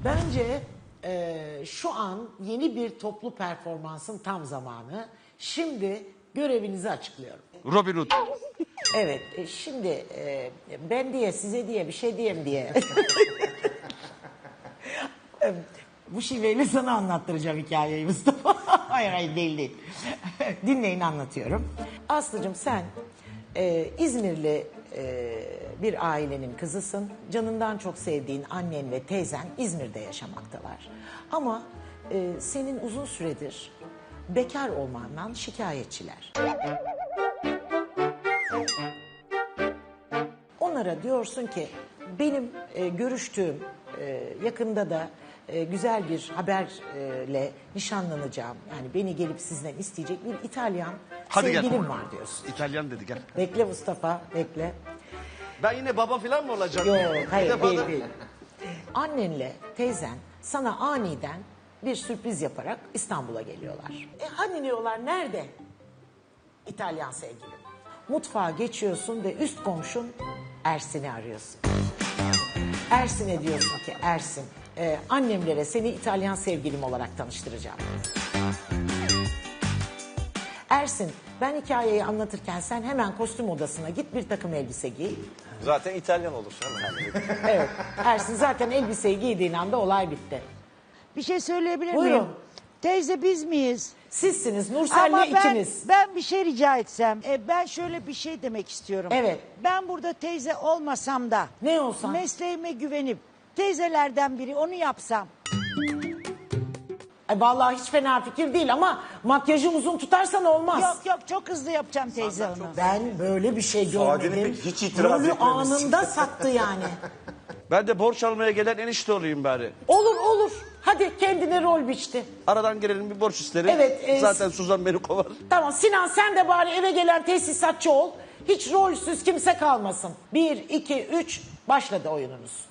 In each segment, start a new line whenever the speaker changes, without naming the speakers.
Bence şu an yeni bir toplu performansın tam zamanı. Şimdi görevinizi açıklıyorum.
Robin Hood.
Evet, şimdi ben diye, size diye, bir şey diyeyim diye. Bu şiveyle sana anlattıracağım hikayeyi Mustafa. Hayır değil. Dinleyin, anlatıyorum. Aslıcığım, sen İzmirli bir ailenin kızısın. Canından çok sevdiğin annen ve teyzen İzmir'de yaşamaktalar. Ama senin uzun süredir bekar olmandan şikayetçiler. Onlara diyorsun ki benim görüştüğüm yakında da güzel bir haberle nişanlanacağım. Yani beni gelip sizden isteyecek bir İtalyan sevgilim var diyorsun.
İtalyan dedi, gel.
Bekle Mustafa, bekle.
Ben yine baba falan mı olacağım?
Yok, hayır,
değil.
değil. Annenle teyzen sana aniden bir sürpriz yaparak İstanbul'a geliyorlar. Hani diyorlar, nerede İtalyan sevgilim? Mutfağa geçiyorsun ve üst komşun Ersin'i arıyorsun. Ersin'e diyorsun ki, Ersin, annemlere seni İtalyan sevgilim olarak tanıştıracağım. Ersin, ben hikayeyi anlatırken sen hemen kostüm odasına git, bir takım elbise giy.
Zaten İtalyan olursun.
Evet, Ersin zaten elbiseyi giydiğin anda olay bitti.
Bir şey söyleyebilir miyim?
Buyurun.
Teyze, biz miyiz?
Sizsiniz, Nursel'le ikiniz.
Ben bir şey rica etsem. Ben şöyle bir şey demek istiyorum.
Evet.
Ben burada teyze olmasam da.
Ne olsan?
Mesleğime güvenip teyzelerden biri onu yapsam.
Ay vallahi hiç fena fikir değil ama makyajı uzun tutarsan olmaz.
Yok çok hızlı yapacağım teyze onu.
Ben böyle bir şey
Saadet'in
görmedim.
hiç itiraz
Rolü
etmemesi.
anında sattı yani.
Ben de borç almaya gelen enişte olayım bari.
Olur. Hadi kendine rol biçti.
Aradan gelelim, bir borç isterim.
Evet,
Zaten Suzan beni kovar.
Tamam Sinan, sen de bari eve gelen tesisatçı ol. Hiç rolsüz kimse kalmasın. 1, 2, 3 başladı oyununuz.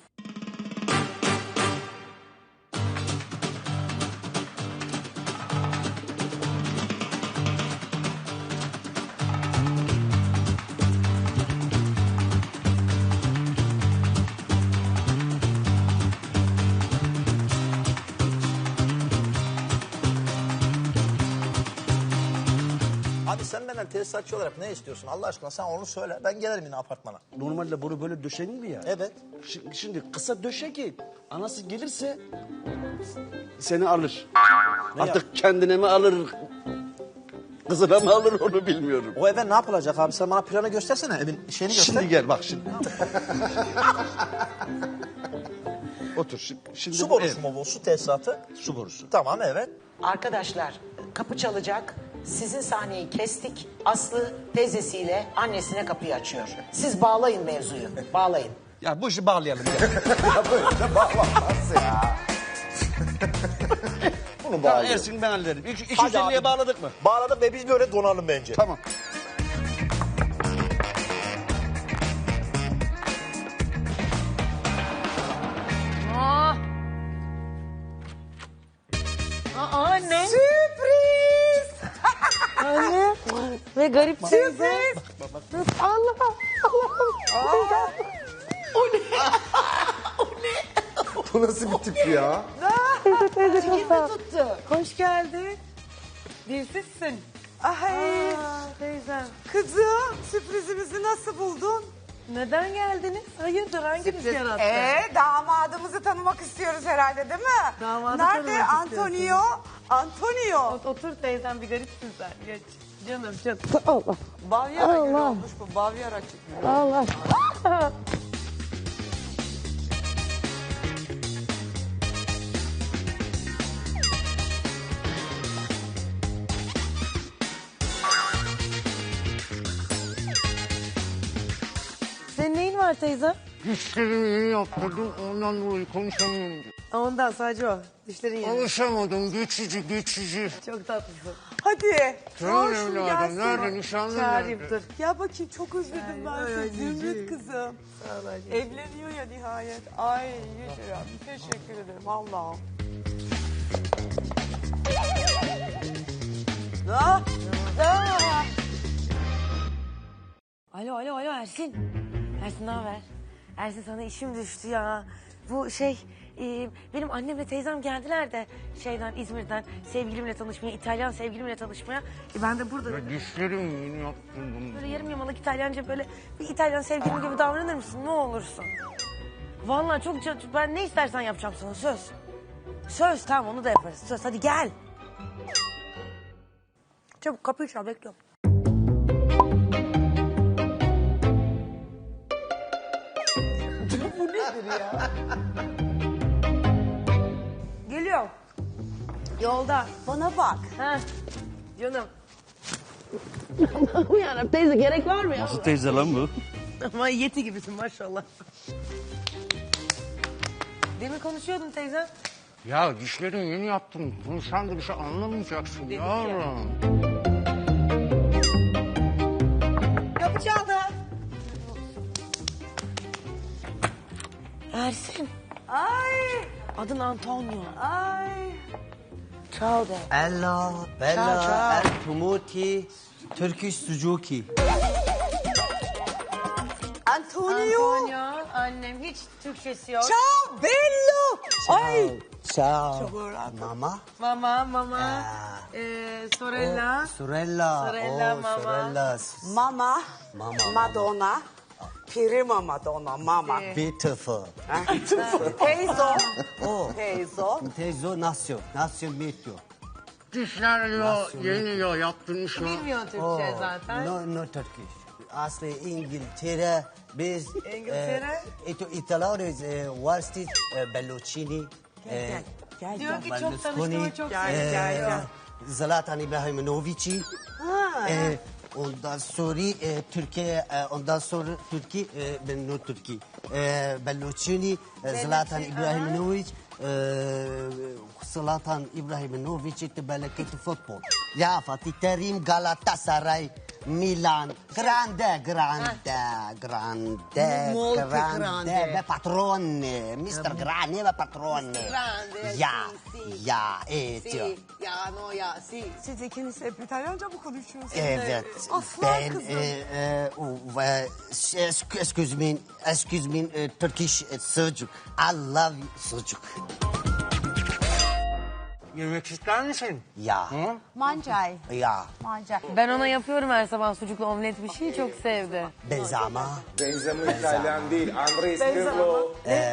Abi sen benden tesisatçı olarak ne istiyorsun? Allah aşkına sen onu söyle. Ben gelirim yine apartmana.
Normalde bunu böyle döşenir mi ya?
Evet.
Şimdi kısa döşe ki anası gelirse seni alır. Artık kendine mi alır, kızına mı alır onu bilmiyorum.
O eve ne yapılacak abi? Sen bana planı göstersene. Evin şeyini göster.
Şimdi gel bak şimdi. Otur şimdi.
Su borusu mu bu? Su tesisatı?
Su borusu.
Tamam, evet.
Arkadaşlar, kapı çalacak. Sizin sahneyi kestik. Aslı teyzesiyle annesine kapıyı açıyor. Siz bağlayın mevzuyu. Bağlayın.
Ya bu işi bağlayalım. Gel.
Bunu
Tamam,
bağlayalım.
Ersin ben hallederim.
Hadi
250'ye
abi.
bağladık mı?
Bağladık ve biz böyle donalım bence.
Tamam.
Anne.
Sürpriz!
Anne. Ve garip sürpriz. Allah. Allah.
Bu nasıl bir tip ya?
Tuttu. Hoş geldin. Dilsizsin.
Ay
Teyzem.
kızım, sürprizimizi nasıl buldun?
Neden geldiniz? Hayırdır, hanginiz yarattı?
Damadımızı tanımak istiyoruz herhalde, değil mi?
Damadı
Nerede
tanımak
Antonio? Antonio.
Otur teyzem, bir garipsin sen. Geç. Canım.
Bavyera gülü olmuş bu, Bavyera çıkıyor.
Allah. Senin neyin var teyzem?
Dişlerimi yeni yaptırdım, ondan dolayı konuşamıyorum.
Ondan sadece o. Dişlerin yeni.
Alışamadım, geçici.
Çok tatlısın.
Hadi.
Canım
Çağır şunu
evladım,
gelsin.
nerede nişanlın
Çağırayım
nerede?
dur.
Ya bakayım, çok özledim ben seni. Zümrüt kızım.
Sağ ol anneciğim.
Evleniyor ya nihayet. Ay Yücel, teşekkür ederim Allah'ım.
Alo Ersin. Ersin ne haber? Ersin, sana işim düştü ya. Bu Benim annemle teyzem geldiler de İzmir'den sevgilimle tanışmaya, İtalyan sevgilimle tanışmaya. Ben de burada
Ya dişlerim yeni yaptırdım.
böyle yarım yamalak İtalyanca böyle bir İtalyan sevgilim gibi davranır mısın? Ne olursun. Vallahi ben ne istersen yapacağım sana söz. Söz tamam onu da yaparız. Söz hadi gel. Çabuk kapıyı çal bekliyorum.
Bu nedir ya?
Geliyor. Yolda.
Bana bak.
Ha. Canım.
Yarabbim teyze gerek var mı ya?
Nasıl teyze lan bu?
Ama yeti gibisin maşallah. Demin konuşuyordun teyze.
Ya dişlerim yeni yaptım. Bunu sen de bir şey anlamayacaksın
Dedik
yavrum.
Kapı çaldı.
Ersin.
Ay.
Adın Antonio.
Ay.
Ciao de.
Ella,
Ciao,
Bella,
ciao.
El Tumuti, Turkish Suzuki.
Antonio.
Annem hiç Türkçesi yok.
Ciao bello. Ay.
Ciao. Mama.
Mama. Sorella.
Sorella.
Sorella,
Oh,
mama.
Sorella.
Mama.
Mama.
Madonna. Prima Madonna. Mama.
Beautiful.
Teyzo.
Oh.
Teyzo.
Tezo nasıl? Nasıl bitiyor?
Dişler yeni yaptırmış mı?
Bilmiyor Türkçe zaten.
No Turkish. Aslı İngiltere. Biz
İngiltere?
İtalyanız varstiz Belluccini.
Gel.
Diyor ki çok
Berlusconi,
tanıştığıma çok
Gel.
Zlatan İbrahimovic'i. Ondan sonra Türkiye, ondan sonra Türkiye, ben no Türkiye. Belluccini, Zlatan İbrahimovic, Zlatan İbrahimovic تبلكت futbol. Ya Fatih Terim, Galatasaray, Milan, grande.
Molto grande.
Ve patrone, Mr. Grande ve patrone.
Grande,
Ya, Ezio.
Ya no ya si.
Siz ikiniz hep İtalyanca mı konuşuyorsunuz?
Evet.
Aslan
Ben
kızım.
excuse me, Turkish sucuk. I love sucuk.
Yemek ister misin?
Ya.
Mancay.
Ya.
Mancay.
Ben ona yapıyorum her sabah sucuklu omlet bir şey çok sevdi.
Benzama.
Benzema İtalyan değil. Andres Pirlo.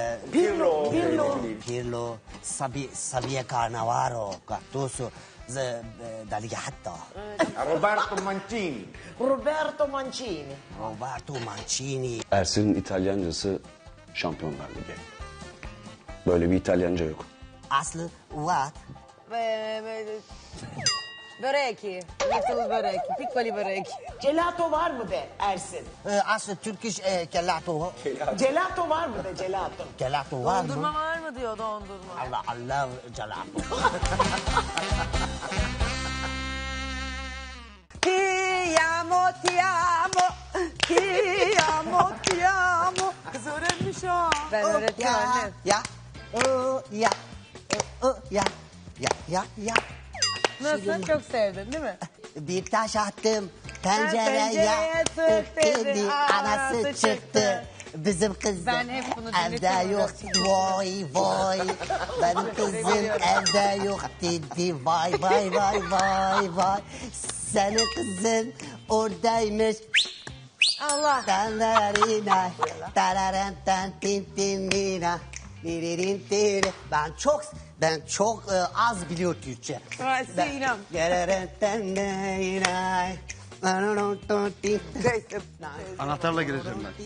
Pirlo. Sabiye Cannavaro. Gattuso. Dalia hatta.
Roberto Mancini.
Roberto Mancini.
Roberto Mancini.
Ersin'in İtalyancası Şampiyonlar Ligi. Böyle bir İtalyanca yok.
Aslı what?
Böreki. Little böreki. Piccoli böreki.
Gelato var mı be Ersin?
Aslı Turkish gelato.
Gelato var mı de gelato?
Gelato var
Dondurma
mı?
var mı diyor dondurma.
Allah gelato.
Ti amo. Kız öğrenmiş ha.
Ben öğrettim annem.
Ya. Ya.
Nasıl? Çok sevdin değil mi?
Bir taş attım tencereye
tencereye tık dedi,
dedi
anası
anası
çıktı.
çıktı. Bizim kızım
Ben hep bunu
evde
dinletiyorum.
yok vay benim kızım evde yok dedi vay senin kızın oradaymış
Allah.
Tanarina, tararantan tintinina, diririntin. Ben çok az biliyor Türkçe.
Sinem.
Anahtarla gireceğim ben.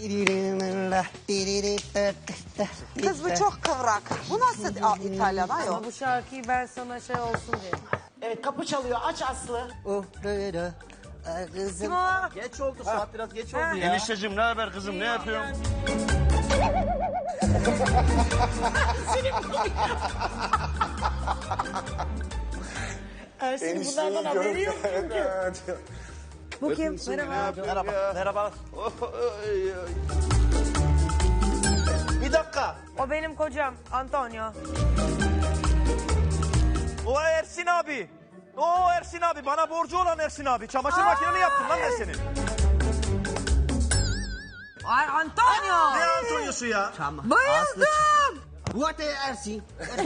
Kız bu çok kıvrak. Bu nasıl İtalyan ayol?
Ama bu şarkıyı ben sana şey olsun diye.
Evet kapı çalıyor aç Aslı.
Kızım.
Kim o?
Geç oldu saat biraz geç oldu ya.
Enişteciğim ne haber kızım ne yapıyorsun?
Ersin bunlardan haberi yok çünkü.
Bu kim? Merhaba.
Merhaba. Bir dakika.
O benim kocam Antonio.
O Ersin abi. O Ersin abi. Bana borcu olan Ersin abi. Çamaşır makineni yaptım lan ben senin.
Ay Antonio.
Ne Antonio'su ya?
Tamam.
Bayıldım.
What Ersi?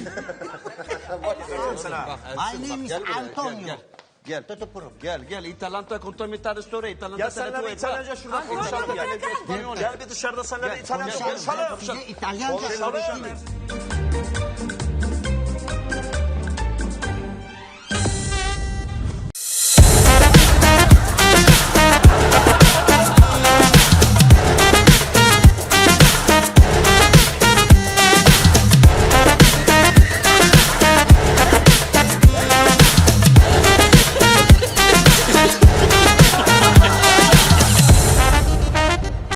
My name is Antonio.
Gel.
Tutupurum.
Gel. İtalyanca contaminare storia. İtalyanca
Ya senle bir İtalyanca şurada konuşalım gel. Gel bir dışarıda senle bir İtalyanca konuşalım.
Size İtalyanca
Konuşalım.
öğreteyim.